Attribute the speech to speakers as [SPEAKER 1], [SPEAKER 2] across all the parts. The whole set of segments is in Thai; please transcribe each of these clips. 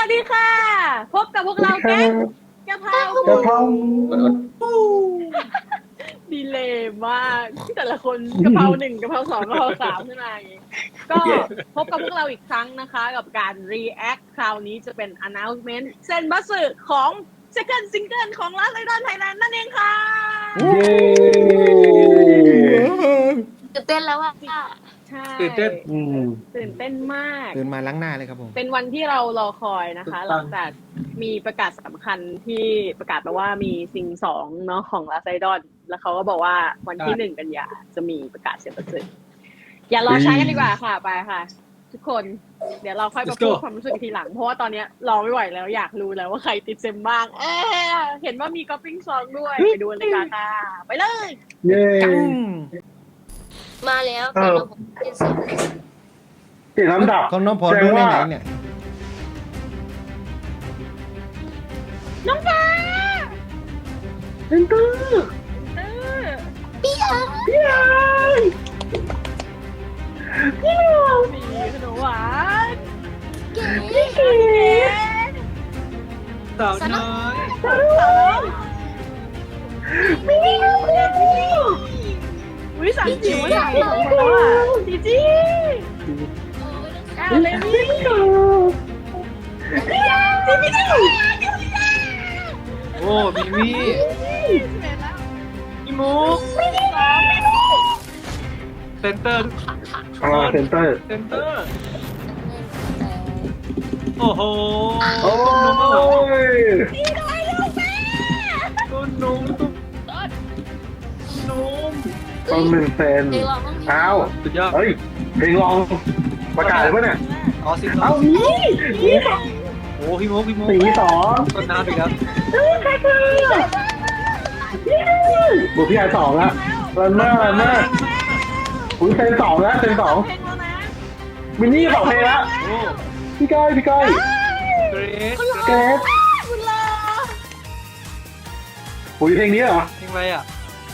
[SPEAKER 1] ดีค่ะ พบกับพวกเราแก๊งกะเพราก
[SPEAKER 2] ะเพรา
[SPEAKER 1] ดีเลยมากแต่ละคนกะเพราหนึ่งกะเพราสองกะเพราสามขึ้นมาอย่างงี้ก็พบกับพวกเราอีกครั้งนะคะ กับการ react คราวนี้จะเป็น announcement เซนบัสสึของ second single ของ Last Idol Thailand นั่นเองค่ะ
[SPEAKER 2] เย้
[SPEAKER 3] ตื่นเต้นแล้วว่า
[SPEAKER 1] ใช่
[SPEAKER 4] ตื่นเต้น
[SPEAKER 1] ตื่นเต้นมาก
[SPEAKER 4] ตื่นมาล้างหน้าเลยครับผม
[SPEAKER 1] เป็นวันที่เรารอคอยนะคะ หลังจากมีประกาศสำคัญที่ประกาศมาว่ามีซิง2เนาะของลาไซดอนแล้วเขาก็บอกว่าวันที่1 กันยาจะมีประกาศเสียงประสิทธิ์อย่ารอช้ากันดีกว่าค่ะไปค่ะ ทุกคนเดี๋ยวเราค่อยมาพูดความรู้สึกทีหลัง เพราะว่าตอนนี้รอไม่ไหวแล้วอยากรู้แล้วว่าใครติดเซมบ้างเห็นว่ามีก๊อปปิ้งซองด้วยไปดูกันเลยค่ะไปเลย
[SPEAKER 2] เย้
[SPEAKER 4] จัง
[SPEAKER 3] มาแล้วเป็นระบบเป็นเสียง
[SPEAKER 2] เปลี่ยนลำดับ
[SPEAKER 4] ของน้องพอดูในไหนเนี่ย
[SPEAKER 1] น้องฟ้า
[SPEAKER 2] เซนเตอร์
[SPEAKER 1] เออ
[SPEAKER 3] พี่อา
[SPEAKER 2] พี่ไอ้พี่ไอ้
[SPEAKER 1] มีขนมหวาน
[SPEAKER 3] เก๋
[SPEAKER 1] เก๋
[SPEAKER 4] สาวน้อย
[SPEAKER 1] สาวมีวิสามจิ๋วสามสองคนแล้วอ่ะจีจี้เลมี่จีจี้
[SPEAKER 4] โอ้มิมี่พี่มุกเซนเตอร์
[SPEAKER 2] เซนเตอร์
[SPEAKER 4] เซนเตอร์ โอ้โห
[SPEAKER 2] โอ้ย
[SPEAKER 4] ตุ้นนุ่มตุ้นนุ่ม
[SPEAKER 2] ต้อง1 เซน
[SPEAKER 3] เพลงร้องต้อง
[SPEAKER 2] อ้าว
[SPEAKER 4] สุดยอด
[SPEAKER 2] เฮ้ยเพลงลองประกาศเลยป่ะเนี่ย
[SPEAKER 4] อ๋อสิบสอ
[SPEAKER 2] เอ้าง นี่
[SPEAKER 4] โอ้พี่มุกพี่มุก
[SPEAKER 2] สีสอง
[SPEAKER 4] ต้นน้ำอีกแล้ว
[SPEAKER 2] บุพี่ไอ้2ละรันเนอร์อุ้ยเซน2แล้วเซน2
[SPEAKER 1] เพลงแล้วนะ
[SPEAKER 2] มินนี่2 เพลงแล้ว
[SPEAKER 4] โอ้
[SPEAKER 2] พี่ก้อย
[SPEAKER 4] เกรซ
[SPEAKER 2] เกรซ
[SPEAKER 1] คุณลา
[SPEAKER 2] อุ้ยเพลงนี้เหรอ
[SPEAKER 4] เพลงอะไรอ่ะ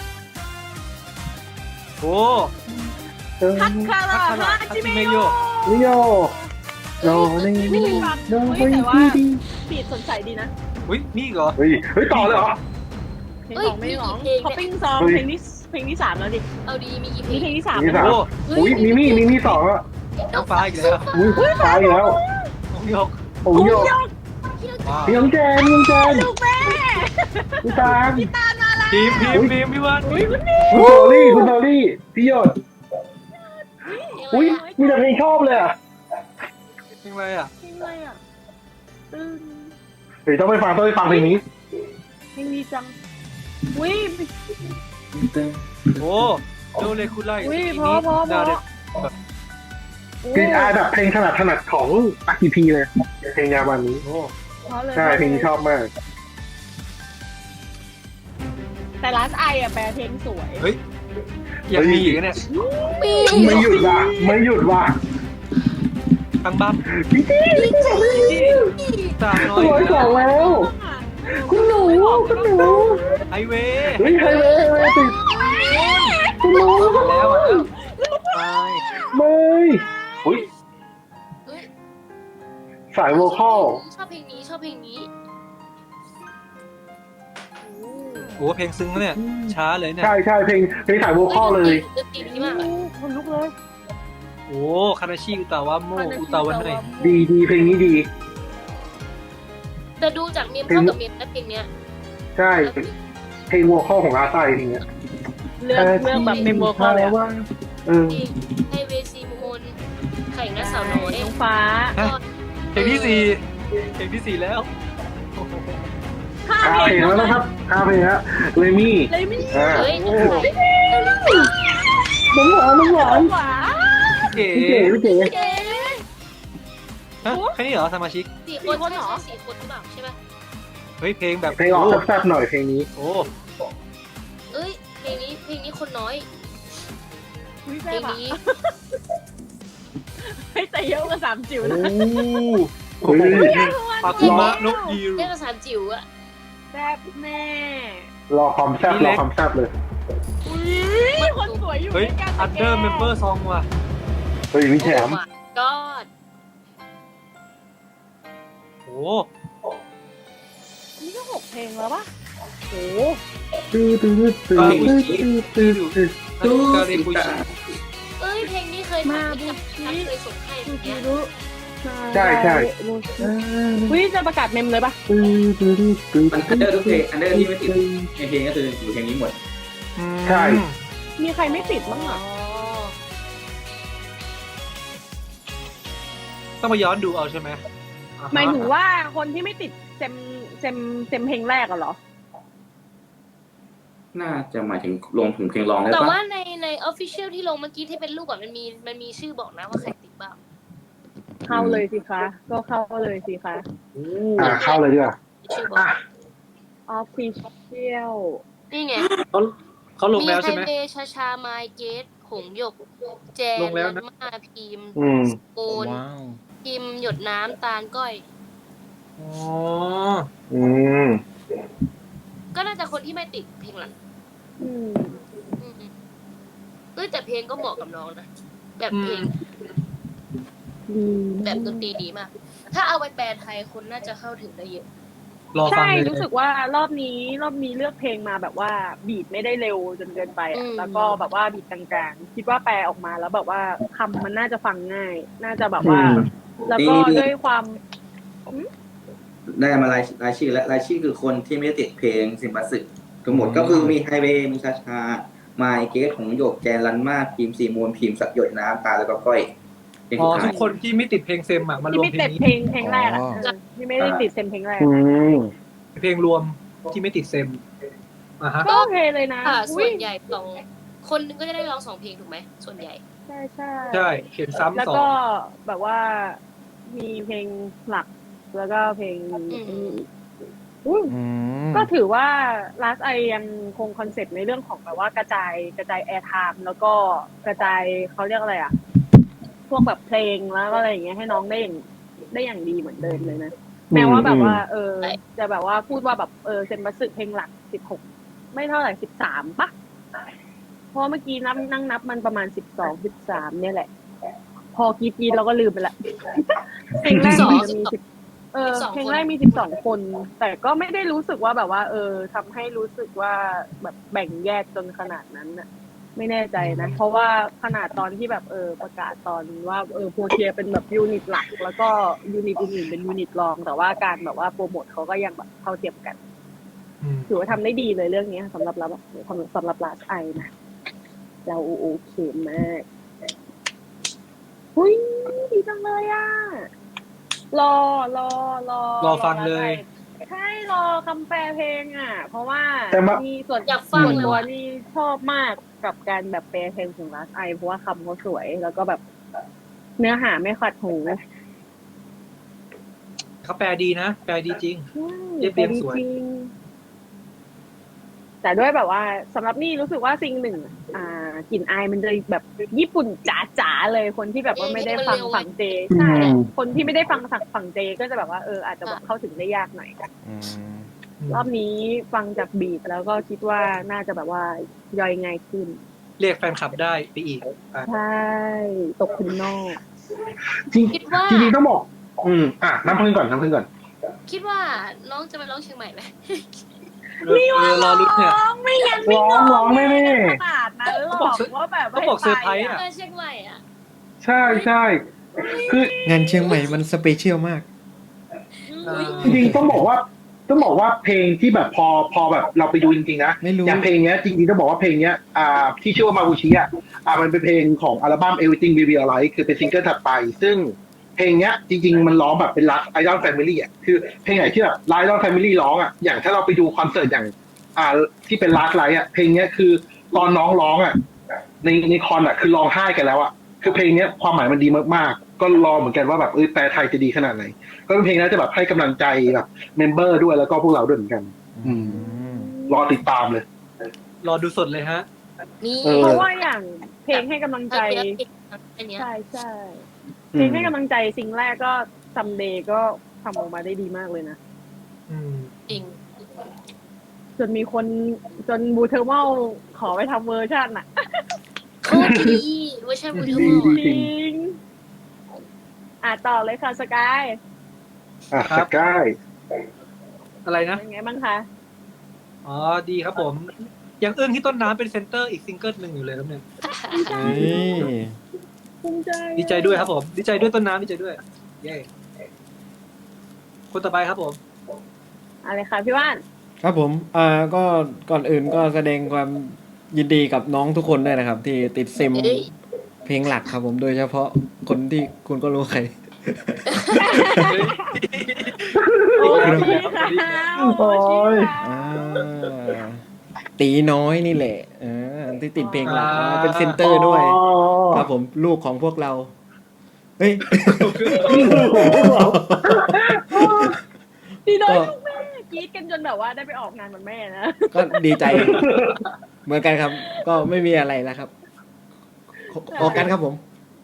[SPEAKER 4] โอ้
[SPEAKER 1] ฮัตคาราฮาจิเมโย
[SPEAKER 2] นิโยโนนี่
[SPEAKER 1] ไม่เคยฟัง
[SPEAKER 2] โน
[SPEAKER 1] เฮ้ย
[SPEAKER 2] นี่
[SPEAKER 1] แต่ว่า
[SPEAKER 2] ดี
[SPEAKER 1] ปีดสนใจดีนะ
[SPEAKER 4] อุ้ยนี่เหรอ
[SPEAKER 2] เฮ้ยต่อเลยเหรอ
[SPEAKER 1] เพลง2ไม่ร้องท็อปปิ้งซองเพลงที่3แล้วดิ
[SPEAKER 3] เอาดีมีกี่เพล
[SPEAKER 1] นี่
[SPEAKER 3] ง
[SPEAKER 1] เพลงที่3
[SPEAKER 2] นี่
[SPEAKER 1] แล้ว
[SPEAKER 2] สาม
[SPEAKER 4] โอ้
[SPEAKER 2] อุ้ยมิมี่2อ่ะ
[SPEAKER 4] น้องฟ้าอีกแล้ว
[SPEAKER 2] อุ้ยตายแล้ว
[SPEAKER 4] น้องหยก
[SPEAKER 2] โอ้ย
[SPEAKER 1] ยก
[SPEAKER 4] ว้าว
[SPEAKER 2] พี่น้องแจนพี่น้องแจน
[SPEAKER 1] ลูกแม่
[SPEAKER 2] พี่ตาม
[SPEAKER 1] ตามมาแล้ว
[SPEAKER 4] ทีมพี่วัน
[SPEAKER 1] อุ้ยคุณนี่
[SPEAKER 2] คุณโทลี่พี่หยดอุ้ยมีแต่เพลงชอบเลยอ่ะ
[SPEAKER 4] เพลงอะไรอ่ะ
[SPEAKER 1] เพลงอะไรอ่ะตึ้ง
[SPEAKER 2] เฮ้ยต้องไปฟังเพลงนี้
[SPEAKER 1] เพลงดีจังอุ้ย
[SPEAKER 4] โอ้โดเลคุไล
[SPEAKER 1] อุ้ย
[SPEAKER 4] ที
[SPEAKER 1] พ
[SPEAKER 4] นี้
[SPEAKER 1] อ
[SPEAKER 4] ดาวเด็ด
[SPEAKER 2] เพลงอาแบบเพลงถนัดของอากีพีเลยเพลงยาวันนี้
[SPEAKER 4] โอ้
[SPEAKER 1] พอเลย
[SPEAKER 2] ใช่เพลงนี้ชอบมาก
[SPEAKER 1] แต่ลาสไออะแปลเพลงสวย
[SPEAKER 4] เฮ้ยยังมีอีกเนี่ย
[SPEAKER 3] ปี
[SPEAKER 2] ไม่หยุดว่ะ
[SPEAKER 4] ทางบ้าน
[SPEAKER 2] พี่จี้
[SPEAKER 4] สาวน้อ
[SPEAKER 2] ตั
[SPEAKER 4] ยว
[SPEAKER 2] สองแล้ว คุณหนู
[SPEAKER 4] ไฮเวย์
[SPEAKER 2] เฮ้ยไฮเวย์ติดคุณหนู
[SPEAKER 4] แล้วไป
[SPEAKER 2] ไม่อุ้ย
[SPEAKER 3] เฮ้ย
[SPEAKER 2] สายโวคอล
[SPEAKER 3] ชอบเพลงนี้ชอบเพลงนี้
[SPEAKER 4] โอ้เพลงซึ้งเนี่ยช้าเลยเนี่ย
[SPEAKER 2] ใช่เพลงสายโวคอลเลย
[SPEAKER 3] ดนตรีนี้มากอะ
[SPEAKER 1] คนลุกเลย
[SPEAKER 4] โอ้คานาชิอุตาวะโมอุตาวะไหน
[SPEAKER 2] ดีเพลงนี้ดี
[SPEAKER 3] แต่ดูจากเมมเข้ากับเมมนะเพลงเนี้ย
[SPEAKER 2] ใช่เพลงโวคอลของอาไซทีเนี้ย
[SPEAKER 1] เรื่องแบบเมมโมเขาเลยอะ
[SPEAKER 2] เออ
[SPEAKER 3] ไฮเวซีมูนไข่และสาวน้อย
[SPEAKER 1] น้องฟ้า
[SPEAKER 4] เพลงที่สี่เพลงที่สี่แล้ว
[SPEAKER 1] ห้า
[SPEAKER 2] 5 เพลงแล้วนะครับ5 เพลงแล้วเลมี่
[SPEAKER 1] เลยไม่
[SPEAKER 2] อ่า
[SPEAKER 3] เฮ้ย
[SPEAKER 2] น้ำหวาน
[SPEAKER 1] หวา
[SPEAKER 4] เก๋
[SPEAKER 2] พี่เก๋
[SPEAKER 3] เก๋
[SPEAKER 4] ฮะแค่นี้เหรอสมาชิก
[SPEAKER 3] 4 คนใช่4 คนหรือเปล่าใช่ไหม
[SPEAKER 4] เฮ้ยเพลงแบบ
[SPEAKER 2] เพลงออกแซ่บๆหน่อยเพลงนี้
[SPEAKER 4] โอ้
[SPEAKER 3] เอ้ยเพลงนี้คนน้อย
[SPEAKER 1] อุ้ย
[SPEAKER 3] เพ
[SPEAKER 1] แซ่
[SPEAKER 3] ล
[SPEAKER 1] บ
[SPEAKER 3] ง
[SPEAKER 1] อะ
[SPEAKER 3] นี้
[SPEAKER 1] ให้แต่เยอะกว่า3 จิ๋วนะ
[SPEAKER 2] เฮ้ย
[SPEAKER 4] ปาคุมะนกยิว
[SPEAKER 3] เรียกภาษาจิ๋วอะ
[SPEAKER 1] แซ่บแน่
[SPEAKER 2] รอความแซ่บเลย
[SPEAKER 1] อุ้ยคนสวยอยู่
[SPEAKER 4] เฮ้ย
[SPEAKER 1] ด้วยกัน
[SPEAKER 4] อันเดอร์เมมเบอร์ซองว่ะ
[SPEAKER 2] เฮ้ยมีแถม
[SPEAKER 3] ก็
[SPEAKER 4] โอ้
[SPEAKER 1] อันนี้ก็6 เพลงแล้วปะโอ้
[SPEAKER 2] ตื้อตื้อตื้อตื้อตื้อตื้อ
[SPEAKER 4] ตู้สิตา
[SPEAKER 3] เอ้ยเพลงนี้เคยทำที่กับทักเคยส่งให้อย่างเงี้ย
[SPEAKER 1] รู้
[SPEAKER 2] ใช่ใช่
[SPEAKER 1] อุ้ยจะประกาศเมมเลยปะ
[SPEAKER 2] ตื้อตื้อตื้อ
[SPEAKER 5] มันอันเดอร์ทุกเพลงอันเดอร์ที่ไม่ติดในเพลงก็คืออยู่เพลงนี้หมด
[SPEAKER 2] ใช่
[SPEAKER 1] มีใครไม่ติดบ้างอ่ะ
[SPEAKER 4] ต้องมาย้อนดูเอาใช่ไหม
[SPEAKER 1] หมายถึงว่าคนที่ไม่ติดเซมเพลงแรกอะเหรอ
[SPEAKER 5] น่าจะหมายถึงลงถึงเพลงร้องได้
[SPEAKER 3] แต่
[SPEAKER 5] ปะ
[SPEAKER 3] ว่าใน official ที่ลงเมื่อกี้ที่เป็นรูปแบบมันมีชื่อบอกนะว่าใครติดบ้าง
[SPEAKER 1] เข้าเลยสิคะก็เข้าเลยสิคะ
[SPEAKER 2] เข้าเลยดีกว่า
[SPEAKER 3] มีชื่อบอก
[SPEAKER 1] official
[SPEAKER 3] นี่ไง
[SPEAKER 4] เขาลง
[SPEAKER 3] มี
[SPEAKER 4] แล้ว
[SPEAKER 3] ไฮ
[SPEAKER 4] ใช่ไหม
[SPEAKER 3] เวย์ชาไมเกตหงหยก แจน
[SPEAKER 4] ลงแล้วนะ
[SPEAKER 3] ลันมาพิมพ์
[SPEAKER 2] อืม
[SPEAKER 3] โอน
[SPEAKER 6] ว้าว
[SPEAKER 3] พิมพ์หยดน้ำตาลก้อย
[SPEAKER 4] อ๋อ
[SPEAKER 2] อืม
[SPEAKER 3] ก็น่าจะคนที่ไม่ติดเพลงหลัง
[SPEAKER 1] อืม
[SPEAKER 3] อืมเอ้ยแต่เพลงก็เหมาะกับน้องนะแบบเพลง
[SPEAKER 1] ดี
[SPEAKER 3] แบบดนตรีดีมาก ถ้าเอาไปแปลไทยคนน่าจะเข้าถึงได้เยอะ
[SPEAKER 4] รอฟัง
[SPEAKER 1] ใช่
[SPEAKER 4] เลย
[SPEAKER 1] รู้สึกว่ารอบนี้เลือกเพลงมาแบบว่าบีทไม่ได้เร็วจนเกินไปอะแล้วก็แบบว่าบีทกลางๆคิดว่าแปลออกมาแล้วแบบว่าคำมันน่าจะฟังง่าย น่าจะแบบว่า แล้วก็ด้วยความ
[SPEAKER 5] ได้มารายชื่อและรายชื่อคือคนที่ไม่ได้ติดเพลงสิมบัสสึทั้งหมดก็คือมีไฮเวย์มีชาชาไมเกตของหยกแจนลันมาพิมพ์ซีมูลพิมพ์สักหยดน้ำตาแล้วก็ก้อยเพลง
[SPEAKER 4] อ๋อ
[SPEAKER 5] สุด
[SPEAKER 4] ทุ
[SPEAKER 5] ท้าก ย
[SPEAKER 4] คนที่ไม่ติดเพลงเซมอ่ะมาร
[SPEAKER 1] ที่
[SPEAKER 4] วม
[SPEAKER 1] ไม่
[SPEAKER 4] เพล
[SPEAKER 1] ติ
[SPEAKER 4] ง
[SPEAKER 1] ด
[SPEAKER 4] นี้
[SPEAKER 1] เพลงแรกอะที่ไม่ได้ติดเซมเพลงแรก
[SPEAKER 2] อืม
[SPEAKER 4] เพลงรวมที่ไม่ติดเซมฮะ
[SPEAKER 1] ก็โอเคเลยนะ
[SPEAKER 3] ค่ะ
[SPEAKER 1] อุ๊
[SPEAKER 3] ส่
[SPEAKER 1] ย
[SPEAKER 3] วนใหญ่สองคนนึงก็จะได้ร้อง2 เพลงถูกไหมส่วนใหญ่
[SPEAKER 1] ใช่ใช่
[SPEAKER 4] ใช่เขียนซ้ำ
[SPEAKER 1] แล้ว
[SPEAKER 4] สอง
[SPEAKER 1] ก็แบบว่ามีเพลงหลัก แล้วก็เพลง อุ้ย
[SPEAKER 6] อืม
[SPEAKER 1] ก็ถือว่า Last I ยังคงคอนเซ็ปต์ในเรื่องของแบบว่ากระจายแอร์ไทม์แล้วก็กระจายเขาเรียกอะไรอ่ะ พวกแบบเพลงแล้วก็อะไรอย่างเงี้ยให้น้องได้อย่างดีเหมือนเดิมเลยนะ แม้ว่าแบบว่า จะแบบว่าพูดว่าแบบเซนบัสสึเพลงหลัก16ไม่เท่าไหร่13ปะเพราะเมื่อกี้นั่งนับมันประมาณ12 13เนี่ยแหละ พอกีเราก็ลืมไปละเพลงแรกมันจะมีเพลงแรกมี12 คน แต่ก็ไม่ได้รู้สึกว่าแบบว่า ทำให้รู้สึกว่าแบบแบ่งแยกจนขนาดนั้นน่ะ ไม่แน่ใจนะ เพราะว่าขนาดตอนที่แบบประกาศตอนว่าโพเทียเป็นแบบยูนิตหลัก แล้วก็ยูนิตอื่นๆเป็นยูนิตรอง แต่ว่าการแบบว่าโปรโมทเขาก็ยังแบบเท่าเทียมกัน ถือว่าทำได้ดีเลยเรื่องนี้สำหรับเราสำหรับลาสไอนะเราโอเคมากหุ้ยดีจังเลยอ่ะรอ
[SPEAKER 4] ฟังเลย
[SPEAKER 1] ใช่รอคำแปลเพลงอ่ะ เพราะว่า
[SPEAKER 2] แต่ว่า
[SPEAKER 1] นี่ส่วน
[SPEAKER 3] อยากฟัง
[SPEAKER 1] ส่วน
[SPEAKER 3] เลย
[SPEAKER 1] ตัว
[SPEAKER 3] ว่ะ
[SPEAKER 1] นี่ชอบมากกับการแบบแปลเพลงของลาสไอเพราะว่าคำเขาสวย แล้วก็แบบเนื้อหาไม่ขัดหู
[SPEAKER 4] เขาแปลดีนะแปลดีจริง เรียบ
[SPEAKER 1] แต่
[SPEAKER 4] เรียง
[SPEAKER 1] ดี
[SPEAKER 4] สวย
[SPEAKER 1] จริง แต่ด้วยแบบว่าสำหรับนี่รู้สึกว่าซิงหนึ่งกลิ่นอายมันจะแบบญี่ปุ่นจ๋าๆเลยคนที่แบบว่าไม่ได้ฟังฝั่งเจใช่คนที่ไม่ได้ฟังฝั่งเจก็จะแบบว่าอาจจะแบบเข้าถึงได้ยากหน่อย
[SPEAKER 6] อืม
[SPEAKER 1] รอบนี้ฟังจากบีทแล้วก็คิดว่าน่าจะแบบว่าย่อยง่ายขึ้น
[SPEAKER 4] เรียกแฟนคลับได้ไปอีกอ่ะ
[SPEAKER 1] ใช่ตกคุณนอก
[SPEAKER 2] จริง
[SPEAKER 3] คิดว่า
[SPEAKER 2] จริงๆต้องบอก น้ำพึ่งก่อน
[SPEAKER 3] คิดว่าน้องจะมาร้องเชียงใหม่ไหม
[SPEAKER 4] รอรุ้นเนี่ย
[SPEAKER 1] ไม่งั้น
[SPEAKER 2] ร้องแน่
[SPEAKER 1] ขนาดนั้นหรอกว่าแบบ
[SPEAKER 4] เขาบอกเซอร์ไพรส์อ่ะ
[SPEAKER 3] เชียงใหม่อ่ะ
[SPEAKER 2] ๆใช่ใช่คือ
[SPEAKER 6] งานเชียงใหม่มันสเปเชียลมาก
[SPEAKER 2] จริงๆต้องบอกว่าเพลงที่แบบพอแบบเราไปดูจริงๆนะ
[SPEAKER 6] ไม่รู้
[SPEAKER 2] อย่างเพลงเนี้ยจริงๆต้องบอกว่าเพลงเนี้ยที่ชื่อว่ามาบูชิมันเป็นเพลงของอัลบั้ม Everything We Realize คือเป็นซิงเกิลถัดไป ซึ่งเพลงเนี้ยจริงๆมันร้องแบบเป็น Last Idol Family อ่ะคือเพลงไหนที่แบบ Last Idol Family ร้องอ่ะอย่างถ้าเราไปดูคอนเสิร์ตอย่างที่เป็น Last Light อ่ะเพลงเนี้ยคือตอนน้องร้องอ่ะในคอนอ่ะคือร้องไห้กันแล้วอ่ะคือเพลงเนี้ยความหมายมันดีมากๆก็รอเหมือนกันว่าแบบแปลไทยจะดีขนาดไหนก็เป็นเพลงนั้นจะแบบให้กำลังใจแบบเมมเบอร์ด้วยแล้วก็พวกเราด้วยเหมือนกัน รอติดตามเลย
[SPEAKER 4] รอดูสดเลยฮะ
[SPEAKER 3] นี่
[SPEAKER 1] เพราะว่าอย่างเพลงให้กำลังใจ
[SPEAKER 3] อันเนี้ย
[SPEAKER 1] ใช่เพลงให้กำลังใจสิ่งแรกก็ซัมเดย์ก็ทำออกมาได้ดีมากเลยนะ
[SPEAKER 4] อืม
[SPEAKER 3] จริง
[SPEAKER 1] จนมีคนจนบูเทอร์เมลขอไปทำเวอร์ชันอ่ะ
[SPEAKER 3] โคตรดีเวอร์ชันบูทู
[SPEAKER 2] ดี
[SPEAKER 1] จริงต่อเลยค่ะสกาย
[SPEAKER 2] สกาย
[SPEAKER 4] อะไรนะ
[SPEAKER 1] เป็นไงบ้างคะ
[SPEAKER 4] อ๋อดีครับผมยังอึ้งที่ต้นน้ำเป็นเซนเตอร์อีกซิงเกิลหนึ่งอยู่เลยครับเนี่ย
[SPEAKER 6] เฮ้ย
[SPEAKER 1] ภูมิใจ
[SPEAKER 4] ดีใจด้วยครับผม ดีใจด้วยต้นน้ำดีใจด้วยเย้คนต่อไปครับผม
[SPEAKER 1] อะไรคะพี่ว่าน
[SPEAKER 6] ครับผมก็ก่อนอื่นก็แสดงความยินดีกับน้องทุกคนด้วยนะครับ ที่ติดซิม
[SPEAKER 3] เอ้ย
[SPEAKER 6] เพลงหลักครับผมโดยเฉพาะคนที่คุณก็รู้ใคร
[SPEAKER 1] โอ้ย
[SPEAKER 4] ดี
[SPEAKER 1] ค่ะ
[SPEAKER 4] ครับ
[SPEAKER 1] โอ้ย
[SPEAKER 6] อ่าตีน้อยนี่แหละที่ติดเพลงหลักเป็นเซนเตอร์ด้วย ครับผมลูกของพวกเรา เฮ้ย
[SPEAKER 1] ดีน้อยลูกแม่กรี๊ดกันจนแบบว่าได้ไปออกงานวันแม่นะ
[SPEAKER 6] ก็ดีใจ เหมือนกันครับ ก็ไม่มีอะไรแล้วครับออกกันครับผม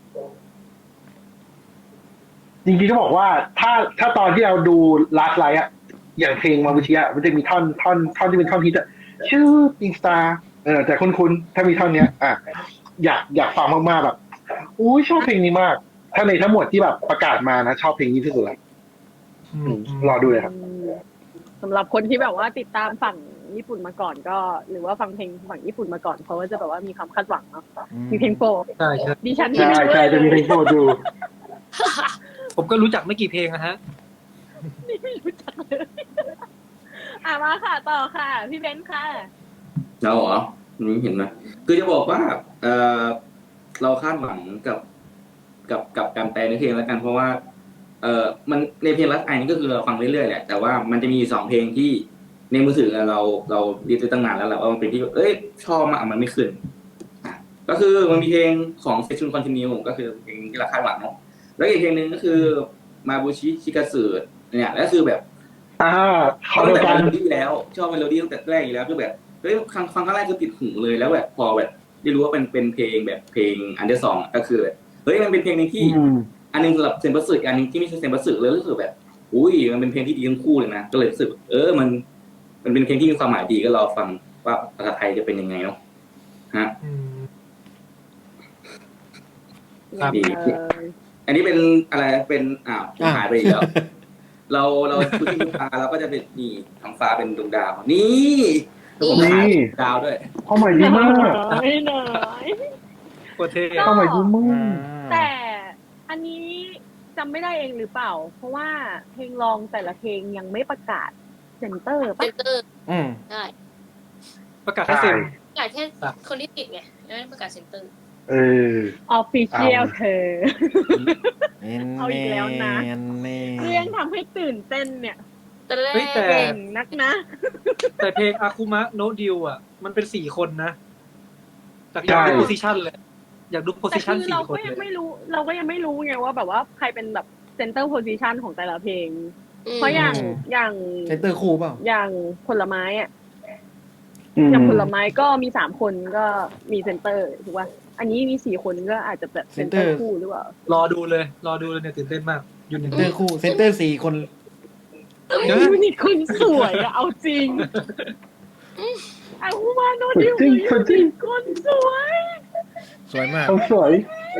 [SPEAKER 2] จริงๆก็บอกว่าถ้าตอนที่เราดูลาสไลท์อะอย่างเพลงมาบูชิอะมันจะมีท่อนที่เป็นท่อนฮิตอะชื่ออินสตาแต่คุ้นๆถ้ามีท่อนเนี้ยอยากฟังมากๆแบบอุ้ยชอบเพลงนี้มาก ถ้าในทั้งหมดที่แบบประกาศมานะชอบเพลงนี้ที่สุดเลยรอดูเลยครับ
[SPEAKER 1] สำหรับคนที่แบบว่าติดตามฝั่งญี่ปุ่นมาก่อนก็ หรือว่าฟังเพลงฝั่งญี่ปุ่นมาก่อนเขาก็จะแบบว่ามีความคาดหวังเนาะมีเพลงโปรด
[SPEAKER 4] ใช่ใช่
[SPEAKER 1] ดิฉัน
[SPEAKER 2] ใช่ใช่จะมีเพลงโปรดดู
[SPEAKER 4] ผมก็รู้จักไม่กี่เพลงนะฮะ
[SPEAKER 1] ไม่รู้จักเลยมาค่ะต่อค่ะ พี่เบนซ์ค่ะ
[SPEAKER 5] เราเหรอนี่เห็นไหมคือจะบอกว่าเราคาดหวังกับการแปลในเพลงแล้วกันเพราะว่ามันในเพลงรักไอนี่ก็คือเราฟังเรื่อยๆแหละแต่ว่ามันจะมี2เพลงที่ในมือถือเราดีไปตั้งนานแล้วแหละว่ามันเป็นที่ชอบมากมันไม่ขึ้นก็คือมันมีเพลงของเซชุนคอนติเนียก็คือเพลงที่เราคาดหวังเนาะแล้วอีกเพลงหนึ่งก็คือมาบูชิชิกาสึเนี่ยแล้วคือแบบ
[SPEAKER 2] ขอเดียวกัน
[SPEAKER 5] เมโลดี้แล้วชอบเมโลดี้ตั้งแต่แรกอยู่แล้วคือแบบฟังครั้งแรกคือติดหูเลยแล้วแบบพอแบบได้รู้ว่าเป็นเพลงแบบเพลงอันเดอร์ซองก็คือแบบมันเป็นเพลงนึงที่อันนึงสำหรับเซนบัสสึอันนึงที่ไม่ใช่เซนบัสสึเลยรู้สึกแบบอุ้ยมันเป็นเพลงที่ดีทั้งคู่เลยนะก็เลยรู้สึกมันเป็นเพลงที่มีความหมายดีก็รอฟังว่าภาษาไทยจะเป็นยังไงเนาะฮะดี อันนี้เป็นอะไรเป็นหายไปอีกแล้วเราพูดที่ฟ้าเราก็จะเป็นนี่ท้องฟ้าเป็นดวงดาวนี่ผมหาดาวด้วย
[SPEAKER 2] ข้อหมายดีมาก
[SPEAKER 1] ไม่หน่อย
[SPEAKER 4] โคตรเท่
[SPEAKER 2] ข้อหมายดีมาก
[SPEAKER 1] แต่อันนี้จำไม่ได้เองหรือเปล่า เพราะว่าเพลงรองแต่ละเพลงยังไม่ประกาศเซนเตอร์
[SPEAKER 3] เซ
[SPEAKER 1] ปะ
[SPEAKER 3] นเตอร์ ใช่
[SPEAKER 4] ประกาศให้เซ็น
[SPEAKER 3] ประกาศแค่คนที่ติดไงไม่ได้ประกาศเซนเตอร์
[SPEAKER 1] ออฟฟิเชียลเธอ เอาอีกแล้วนะ เรื่องทำให้ตื่นเต้นเนี่ย
[SPEAKER 3] แต่แรก
[SPEAKER 1] เก่งนักนะ
[SPEAKER 4] แต่เพลงอาคุมะโนดิวอ่ะมันเป็น4 คนนะจากอยากดูโพซิชันเลยอยากดูโพ
[SPEAKER 1] แต่
[SPEAKER 4] ซิชัน
[SPEAKER 1] คือเรา
[SPEAKER 4] 4 คน
[SPEAKER 1] ก็
[SPEAKER 4] เล
[SPEAKER 1] ยัง
[SPEAKER 4] ย
[SPEAKER 1] ไม่รู้ไงว่าแบบว่าใครเป็นแบบเซนเตอร์โพซิชันของแต่ละเพลง เพราะอย่าง
[SPEAKER 6] เซนเตอร์คู่เปล่า
[SPEAKER 1] อย่างผลไม้อ่ะอย่างผลไม้ก็มี3 คนก็มีเซนเตอร์ถูกป่ะอันนี้มี4 คนก็อาจจะแบบเซนเตอร์คู่หรือเปล่าร
[SPEAKER 4] อดูเลยเนี่ยตื่นเต้นมากยูนิ
[SPEAKER 6] เซนเตอร์คู่เซนเตอร์4 คน
[SPEAKER 1] ยูนิคนสวยอะเอาจริงเอามาโนดิวคนสวย
[SPEAKER 6] สวยมาก
[SPEAKER 2] เขาสวย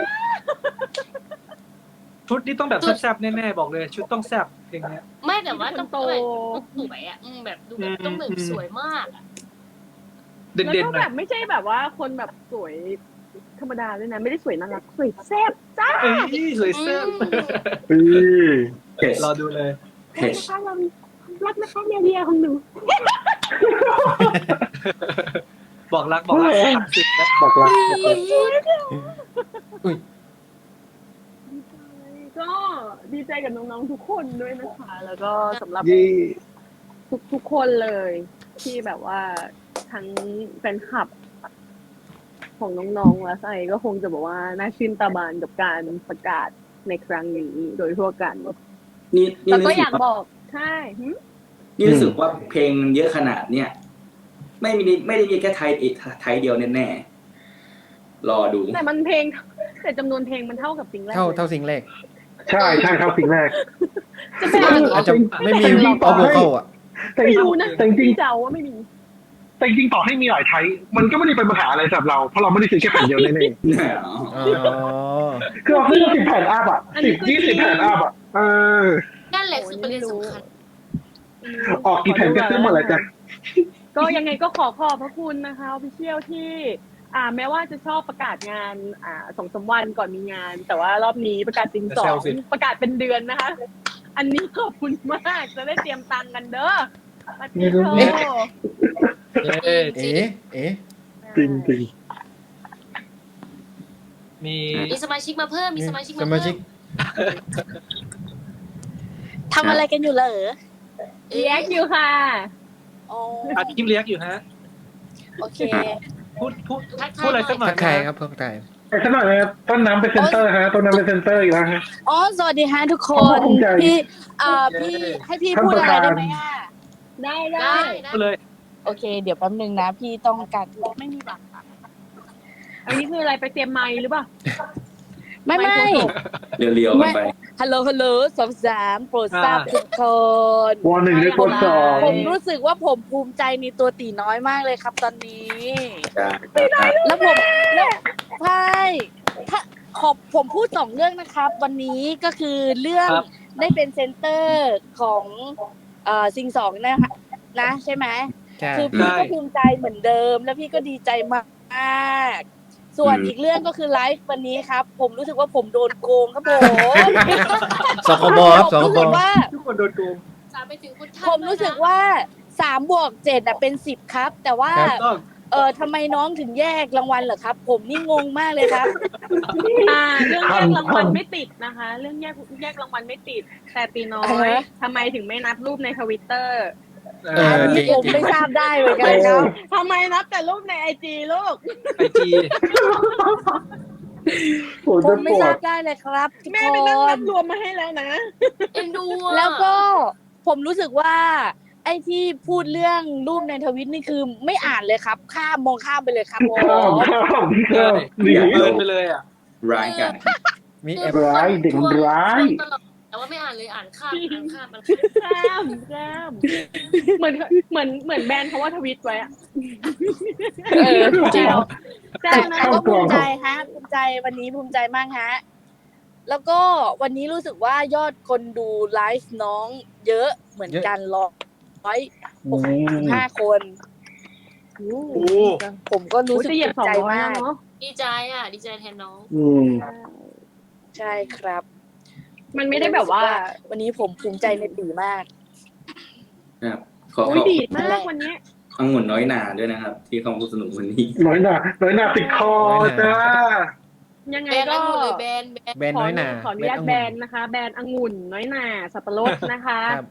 [SPEAKER 4] ชุดนี้ต้องแบบแซ่บๆแน่ๆบอกเลยชุดต้องแซ่บเพลงนี้
[SPEAKER 3] ไม่แต่ว่าต้อง
[SPEAKER 1] โต
[SPEAKER 3] สวยอ่ะแบบดูแบบต้องแบบสวยมากอ่ะ
[SPEAKER 4] เด่
[SPEAKER 1] แล้ว
[SPEAKER 4] น
[SPEAKER 1] ก็
[SPEAKER 4] ๆหน่
[SPEAKER 1] แบ
[SPEAKER 4] อย
[SPEAKER 1] บไม่ใช่แบบว่าคนแบบสวยธรรมดาด้วยนะ ไม่ได้สวยน่ารักสวยแซ่บจ้า
[SPEAKER 4] เอ้ยสวยแซ่บ
[SPEAKER 5] เพจ
[SPEAKER 4] รอดูเลย
[SPEAKER 5] เพจ
[SPEAKER 1] นะคะเรารักนะคะเรียของหนู
[SPEAKER 4] บอกรักสิบแล้ว
[SPEAKER 2] บอกรัก
[SPEAKER 1] ก็ดีใจกับน้องๆทุกคนด้วยนะคะ แล้วก็สำหรับ
[SPEAKER 2] ยี่
[SPEAKER 1] ทุกคนเลยที่แบบว่าทั้งแฟนคลับของน้องๆและไซก็คงจะบอกว่าน่าชื่นตาบานกับการประกาศในครั้งนี้โดยทั่วกัน
[SPEAKER 5] นี่
[SPEAKER 1] แล้วก็
[SPEAKER 5] รู้
[SPEAKER 1] อ
[SPEAKER 5] สึ
[SPEAKER 1] ยาก ก
[SPEAKER 5] ว่า
[SPEAKER 1] บอกใช่
[SPEAKER 5] นี่รู้สึกว่าเพลงเยอะขนาดเนี่ยไม่ได้มีแค่ไทยเดียวแน่ๆรอดู
[SPEAKER 1] แต่มันเพลงแต่จำนวนเพลงมันเท่ากับสิ่งแรก
[SPEAKER 6] เท่าสิ่งแรก
[SPEAKER 2] ใช่เท่าสิ่งแรก
[SPEAKER 1] จะเป็น
[SPEAKER 6] อาจจะไม่มีออฟโวคอลอ่ะ
[SPEAKER 2] แต่จ
[SPEAKER 1] ไม่
[SPEAKER 2] ริง
[SPEAKER 1] รู้นะ
[SPEAKER 2] แต่จริง
[SPEAKER 1] เจ้าว่าไม่มี
[SPEAKER 2] แต่จริงต่อให้มีหลายไทยมันก็ไม่ได้เป็นปัญหาอะไรสำหรับเราเพราะเราไม่ได้ซื้อแค่แผ่นเดียวแน่ๆคือเราซื้อ10 แผ่นอัพอ่ะ10-20 แผ่นอัพอ่ะ
[SPEAKER 3] นั่นแหแหละคือประเด็นสำคัญ
[SPEAKER 2] ออกกี่แผ่นก็ซื้อหมดเลยจ้ะ
[SPEAKER 1] ก็ยังไงก็ขอบพระคุณนะคะออฟฟิเชียลที่ แม้ว่าจะชอบประกาศงาน2-3 วันก่อนมีงาน แต่ว่ารอบนี้ประกาศจริง2ประกาศเป็นเดือนนะคะ อันนี้ขอบคุณมากจะได้เตรียมตังค์กันเด้อมาติโท
[SPEAKER 4] เอ๊ะ
[SPEAKER 6] เอ๊ะเอ๊ะ
[SPEAKER 2] จริงจริง
[SPEAKER 4] มี
[SPEAKER 3] มีสมาชิกมาเพิ่มมีสมาชิก
[SPEAKER 6] ส
[SPEAKER 3] มา
[SPEAKER 6] มา
[SPEAKER 3] เพิ่
[SPEAKER 6] ชิก
[SPEAKER 3] ม
[SPEAKER 7] ทำอะไรกันอยู่เหรอ
[SPEAKER 1] เรียกอยู่ค่ะ
[SPEAKER 7] อ๋อ
[SPEAKER 4] อัดคลิปเรียกอยู่ฮะ
[SPEAKER 7] โอเค
[SPEAKER 4] พูดอะไรสักหน่อย
[SPEAKER 6] ทักทายครับทักทาย
[SPEAKER 2] แต่สักหน่อยนะครับต้นน้ำเป็นเซนเตอร์ฮะต้นน้ำเป็นเซนเตอร์อีกแล้วฮะ
[SPEAKER 7] อ๋อ สวัสดีฮะทุกค
[SPEAKER 2] ขอน บคุณใจ
[SPEAKER 7] พี่พี่ให้พี่พูดอะไรได้ไหมอ่ะ
[SPEAKER 1] ได้
[SPEAKER 3] ได้
[SPEAKER 4] พูดเลย
[SPEAKER 7] โอเค เดี๋ยวแป๊บนึงนะ พี่ต้องการไม่มีบัตรอะ
[SPEAKER 1] อันนี้คืออะไรไปเตรียมไมค์หรือเปล่า
[SPEAKER 7] ไม่
[SPEAKER 5] เรียวๆกันไป
[SPEAKER 7] ฮัลโหลฮัลโหล2-3โปรดทราบทุกคน
[SPEAKER 2] วอ1ได้กด2
[SPEAKER 7] ผมรู้สึกว่าผมภูมิใจในตัวตีน้อยมากเลยครับตอนนี้ แล้วใช่ถ้าผมพูด2 เรื่องนะครับ วันนี้ก็คือเรื่อง
[SPEAKER 4] ครับ
[SPEAKER 7] ได้เป็นเซนเตอร์ของซิง2นะคะนะใช่ไหม
[SPEAKER 6] ใช่
[SPEAKER 7] คือพี่ก็ภูมิใจเหมือนเดิม แล้วพี่ก็ดีใจมากส่วนอีกเรื่องก็คือไลฟ์วันนี้ครับ ผมรู้สึกว่าผมโดนโกงครับผม
[SPEAKER 6] สคบครับสค
[SPEAKER 7] รู้
[SPEAKER 6] บ
[SPEAKER 7] สึกว่า
[SPEAKER 4] ทุกคนโดนโกง
[SPEAKER 3] สามไปถึงคุณท่าน
[SPEAKER 7] ผมรู้สึกว่า3+7เป็น10ครับ แต่ว่า
[SPEAKER 4] ต้อง
[SPEAKER 7] ทำไมน้องถึงแยกรางวัลเหรอครับ ผมนี่งงมากเลยครับ
[SPEAKER 1] เรื่องแยกรางวัลไม่ติดนะคะ เรื่องแยกรางวัลไม่ติด แต่ตีน้อยทำไมถึงไม่นับรูปในทวิตเตอร์
[SPEAKER 7] อันนี้ผมไม่ทราบได้เหมือนกันครับ
[SPEAKER 1] ทำไมนับแต่รูปในไอจีลูก
[SPEAKER 4] ไอจี
[SPEAKER 2] ปวด
[SPEAKER 7] ผ
[SPEAKER 2] จะ
[SPEAKER 7] ม
[SPEAKER 2] ป
[SPEAKER 7] ไม่
[SPEAKER 2] ว
[SPEAKER 7] ทรา
[SPEAKER 2] ด
[SPEAKER 7] บได้เลยครับทุก
[SPEAKER 1] แม่
[SPEAKER 7] ค
[SPEAKER 1] ไปนั่งนั
[SPEAKER 7] น
[SPEAKER 1] บรวมมาให้แล้วนะ
[SPEAKER 3] เอ็นดูอะ
[SPEAKER 7] แล้วก็ผมรู้สึกว่า ไอ้ที่พูดเรื่องรูปในทวิตนี่คือไม่อ่านเลยครับมองข้ามไปเลยครับผม
[SPEAKER 2] ข้ามหนี
[SPEAKER 4] เดินไปเลยอ่ะ
[SPEAKER 5] ร้ายกัน
[SPEAKER 6] มีแอป
[SPEAKER 2] ร้ายเด็กมันร้าย
[SPEAKER 3] ตลอดแต่ว่าไม่อ่านเลยอ่านข้ามมัน
[SPEAKER 1] ข้ามเหมือนแบรนด์เขาว่าทวิตไว้อะ
[SPEAKER 7] จริง
[SPEAKER 1] แจ้
[SPEAKER 7] แต่
[SPEAKER 1] งนะ
[SPEAKER 7] ก็ภูมิใจฮะภูมิใจวันนี้ภูมิใจมากฮะแล้วก็วันนี้รู้สึกว่ายอดคนดูไลฟ์น้องเยอะเหมือนกัน165 คน ผมก็รู้สึก
[SPEAKER 1] จะเหยียบ
[SPEAKER 7] ภูมิใจ
[SPEAKER 1] 200
[SPEAKER 7] มา
[SPEAKER 1] แล้ว
[SPEAKER 7] ก
[SPEAKER 1] เนาะ
[SPEAKER 3] ดีใจอ่ะ ดีใจแทนน้อง
[SPEAKER 7] ใช่ครับ
[SPEAKER 1] มันไม่ได้แบบว่า
[SPEAKER 7] วันนี้ผมภูมิใจในตีมาก
[SPEAKER 5] ครับขอ
[SPEAKER 1] อุ้ยดีดมากวันนี้
[SPEAKER 5] องุ่นน้อยหนาด้วยนะครับ ที่เขาพูดสนุกวันนี้
[SPEAKER 2] น้อยหนาติดคอจ้า
[SPEAKER 1] ยังไง
[SPEAKER 3] แบน
[SPEAKER 1] ก็
[SPEAKER 3] องุ่นหรือแบน
[SPEAKER 6] แบนน้อยหนา
[SPEAKER 1] ขออนุญาตแบนนะคะ แบนองุ่นน้อยหนาสับปะรดนะคะ
[SPEAKER 6] ครับ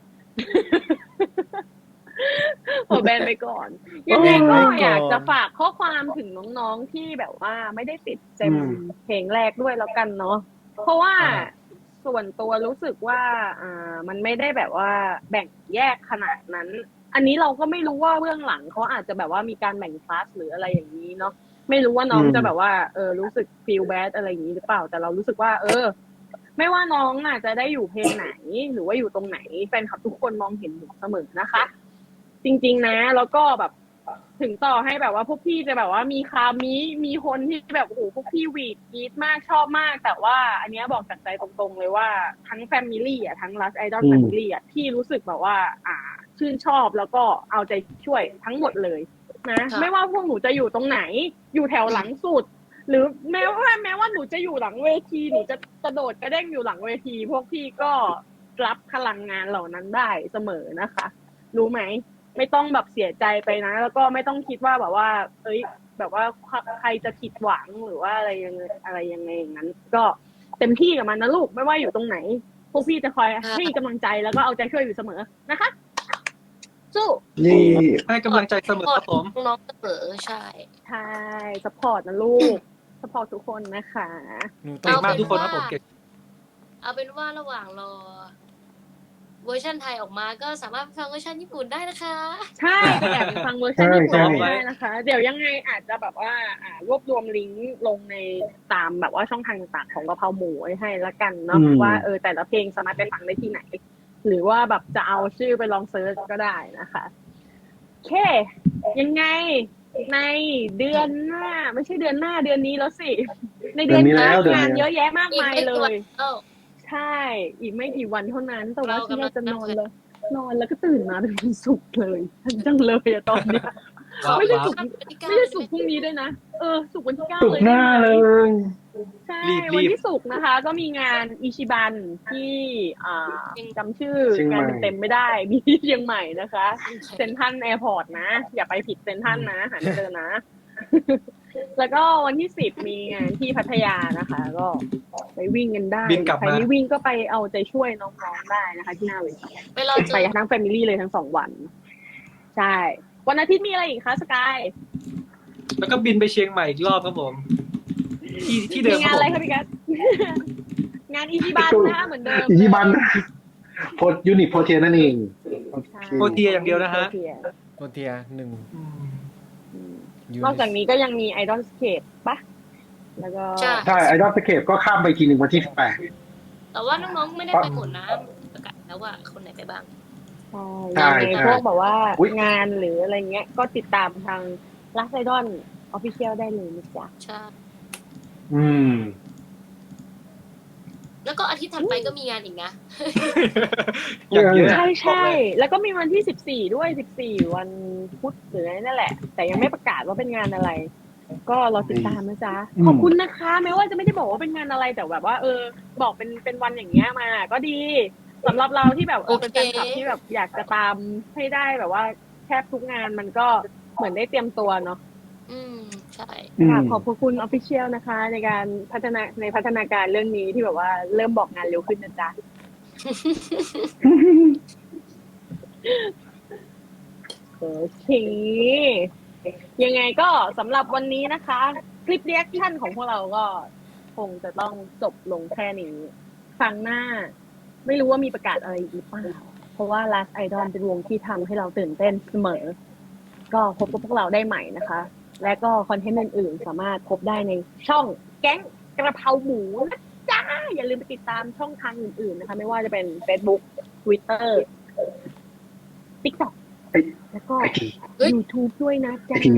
[SPEAKER 1] ขอแบนไปก่อน ยังไงก็อยากจะฝากข้อความถึงน้องๆที่แบบว่าไม่ได้ติดเต็มเพลงแรกด้วยแล้วกันเนาะเพราะว่าส่วนตัวรู้สึกว่ามันไม่ได้แบบว่าแบ่งแยกขนาดนั้น อันนี้เราก็ไม่รู้ว่าเบื้องหลังเขาอาจจะแบบว่ามีการแบ่งคลาสหรืออะไรอย่างนี้เนาะไม่รู้ว่าน้องจะแบบว่ารู้สึก feel bad อะไรอย่างนี้หรือเปล่าแต่เรารู้สึกว่าไม่ว่าน้องอาจจะได้อยู่เพลงไหนหรือว่าอยู่ตรงไหนแฟนคลับทุกคนมองเห็นหนูเสมอนะคะ จริงๆนะแล้วก็แบบถึงต่อให้แบบว่าพวกพี่จะแบบว่ามีคามีคนที่แบบโอ้โหพวกพี่หวีดกรี๊ดมากชอบมากแต่ว่าอันเนี้ยบอกจากใจตรงๆเลยว่าทั้งแฟมิลี่อ่ะทั้ง Last Idol Family อ่ะพี่รู้สึกแบบว่าชื่นชอบแล้วก็เอาใจช่วยทั้งหมดเลยนะไม่ว่าพวกหนูจะอยู่ตรงไหนอยู่แถวหลังสุดหรือแม้ว่าหนูจะอยู่หลังเวทีหนูจะกระโดดกระเด้งอยู่หลังเวทีพวกพี่ก็รับพลังงานเหล่านั้นได้เสมอนะคะ รู้ไหมไม่ต้องแบบเสียใจไปนะแล้วก็ไม่ต้องคิดว่าแบบว่าแบบว่าใครจะผิดหวังหรือว่าอะไรยังไงอย่างนั้น ก็เต็มที่กับมันนะลูกไม่ว่าอยู่ตรงไหนพวกพี่จะคอยให้กำลังใจแล้วก็เอาใจช่วยอยู่เสมอนะคะสู้
[SPEAKER 2] นี่
[SPEAKER 4] ให้กำลังใจเสมอครับผม
[SPEAKER 3] น้องเสมอใช่
[SPEAKER 1] ใช่ซัพพอร์ตนะลูกซัพพอร์ตทุกคนนะคะ
[SPEAKER 6] หนูต้
[SPEAKER 4] เก่
[SPEAKER 6] อง ง
[SPEAKER 4] มากทุกคนครับผมเก่ง
[SPEAKER 3] เอาเป็นว่าระหว่างรอเวอร์ชันไทยออกมาก็สามารถฟังเวอร์ชันญี่ปุ่นได้นะคะ
[SPEAKER 1] ใช่ไปแอบไปฟังเวอร์ชันญี่ปุ่นได้นะคะ เดี๋ยวยังไงอาจจะแบบว่ารวบรวมลิงก์ลงในตามแบบว่าช่องทางต่างๆของกะเพราหมูไว้ให้ละกันเนาะว่าแต่ละเพลงสามารถไปฟังได้ที่ไหน หรือว่าแบบจะเอาชื่อไปลองเซิร์ชก็ได้นะคะโอเคยังไงในเดือนหน้าไม่ใช่เดือนหน้าเดือนนี้แล้วสิในเดือนนี้งานเยอะแยะมากมายเลย
[SPEAKER 3] เอ้า
[SPEAKER 1] ใใช่ อีกไม่กี่วันเท่านั้น แต่ว่า
[SPEAKER 3] เรา
[SPEAKER 1] ฉัน
[SPEAKER 3] กำ
[SPEAKER 1] อ
[SPEAKER 3] ลั
[SPEAKER 1] ยาง กจะนอน
[SPEAKER 3] นั่ง
[SPEAKER 1] แล้ว นอนแล้วก็ตื่นมาเป็นวันศุกร์เลยฉันจังเลยอะตอนเนี้ย
[SPEAKER 4] ว้าว
[SPEAKER 1] ไม่ใช่
[SPEAKER 4] ว้าว
[SPEAKER 1] ศุกร์ ไม่ใช่ศุกร์พรุ่งนี้ด้วยนะ ศุกร์วันที่ 9
[SPEAKER 2] สุก
[SPEAKER 1] เลย
[SPEAKER 2] ห
[SPEAKER 1] ได้
[SPEAKER 2] น้า
[SPEAKER 1] ไหม
[SPEAKER 2] เลย
[SPEAKER 1] ใช่
[SPEAKER 4] รีบ
[SPEAKER 1] วันที่ศุกร์นะคะ ก็มีงานอิชิบันที่จำชื่องานเต็มๆไม่ได้ มีที่เชียงใหม่นะคะ เซ็นทรัลแอร์พอร์ตนะ อย่าไปผิดเซ็นทรัลนะ หาไม่เจอนะ แล้วก็วันที่ 10 มีงานที่พัทยานะคะ ก็ไปวิ่งกันได้
[SPEAKER 4] บินกลับ
[SPEAKER 1] ใคร
[SPEAKER 4] มา
[SPEAKER 1] ไม่วิ่งก็ไปเอาใจช่วยน้องๆได้นะคะที่หน้าเวที
[SPEAKER 3] ไปรอเจ
[SPEAKER 1] ไป
[SPEAKER 3] อ
[SPEAKER 1] ทั้งแฟมิลี่เลยทั้ง2 วัน ใช่ วันอาทิตย์มีอะไรอีกคะสกาย
[SPEAKER 4] แล้วก็บินไปเชียงใหม่อีกรอบครับผม ที่เดิ
[SPEAKER 1] มี
[SPEAKER 4] มค
[SPEAKER 1] งา
[SPEAKER 4] รั
[SPEAKER 1] น
[SPEAKER 4] บ
[SPEAKER 1] อะไร
[SPEAKER 4] ผม
[SPEAKER 1] คะพี่กัส งานอีชิบันนะคะเหมือนเดิม
[SPEAKER 2] อีที่บ้านโพสยูนิตโพเทียนั่นเอง
[SPEAKER 1] ใช่
[SPEAKER 4] โปรเทียอย่างเดียวนะฮะ
[SPEAKER 1] โปรเทีย
[SPEAKER 6] โปรเทีย1
[SPEAKER 4] อืม
[SPEAKER 1] อืม
[SPEAKER 6] ยู
[SPEAKER 1] นอกจากนี้ก็ยังมีไอดอลสเคปปะแล้วก็
[SPEAKER 3] ใช่
[SPEAKER 2] ใช่ไอดอลสเคปก็ข้ามไปทีหนึ่งวันที่
[SPEAKER 3] แต่ว่าน้องๆไม่ได้ไปหมดนะประกาศแล้วว่าคนไหนไปบ้าง
[SPEAKER 2] ใช่
[SPEAKER 1] ยังไง
[SPEAKER 2] ใช่
[SPEAKER 1] พวกแบบว่า
[SPEAKER 2] อุ๊ย
[SPEAKER 1] งานหรืออะไรเงี้ย ก็ติดตามทางลักไอดอลออฟฟิเชียลได้เลยนะจ๊ะ
[SPEAKER 3] ใช่
[SPEAKER 2] 18อืม
[SPEAKER 3] แล้วก็อาทิตย์ถัดไปก็มีงานอีกนะ
[SPEAKER 4] อย่างเยอะ
[SPEAKER 1] ใช่ใช่
[SPEAKER 4] บอกเลย
[SPEAKER 1] แล้วก็มีวันที่ 14 ด้วย 14 วันพุธหรืออะไรนั่นแหละ แต่ยังไม่ประกาศว่าเป็นงานอะไร ก็เราติดตามนะจ๊ะ
[SPEAKER 2] อืม
[SPEAKER 1] ขอบคุณนะคะแม้ว่าจะไม่ได้บอกว่าเป็นงานอะไรแต่แบบว่า บอกเป็นวันอย่างเงี้ยมา ก็ดีสำหรับเราที่แบบ
[SPEAKER 3] โอเค
[SPEAKER 1] เป็นแฟนคลับที่แบบอยากจะตามให้ได้แบบว่าแทบทุกงานมันก็เหมือนได้เตรียมตัวเนาะ
[SPEAKER 3] ใช่
[SPEAKER 2] อืม
[SPEAKER 1] ค่ะขอบพระคุณออฟฟิเชียลนะคะ ในการพัฒนาการเรื่องนี้ที่แบบว่าเริ่มบอกงานเร็วขึ้นนะจ๊ะ โอเค ยังไงก็สำหรับวันนี้นะคะ คลิปเรีแอคชั่นของพวกเราก็คงจะต้องจบลงแค่นี้ครั้งหน้า ไม่รู้ว่ามีประกาศอะไรอีกหรือเปล่า เพราะว่า Last Idol เป็นวงที่ทำให้เราตื่นเต้นเสมอ ก็พบกับพวกเราได้ใหม่นะคะ และก็คอนเทนต์อื่นๆ สามารถพบได้ในช่องแก๊งกระเพราหมูนะจ้า อย่าลืมไปติดตามช่องทางอื่นๆนะคะ ไม่ว่าจะเป็น Facebook Twitter TikTok แล้วก็
[SPEAKER 2] ไอที
[SPEAKER 1] YouTube ด้วยนะ
[SPEAKER 2] ไอ
[SPEAKER 1] จ๊ะ
[SPEAKER 2] ที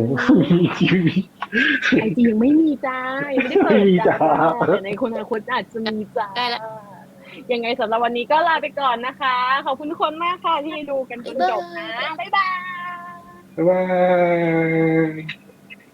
[SPEAKER 1] ไอจียังไม่มีจ้า ยังไม่ได้เปิด
[SPEAKER 2] ไม่มี
[SPEAKER 1] จ้า
[SPEAKER 2] จ้า
[SPEAKER 1] แต่ในคนอนาคตอาจจะมีจ้า
[SPEAKER 3] ได้ละ
[SPEAKER 1] ยังไงสำหรับวันนี้ก็ลาไปก่อนนะคะ ขอบคุณทุกคนมากค่ะที่ดูกันจนจบนะ บ๊ายบาย
[SPEAKER 2] บ๊ายบาย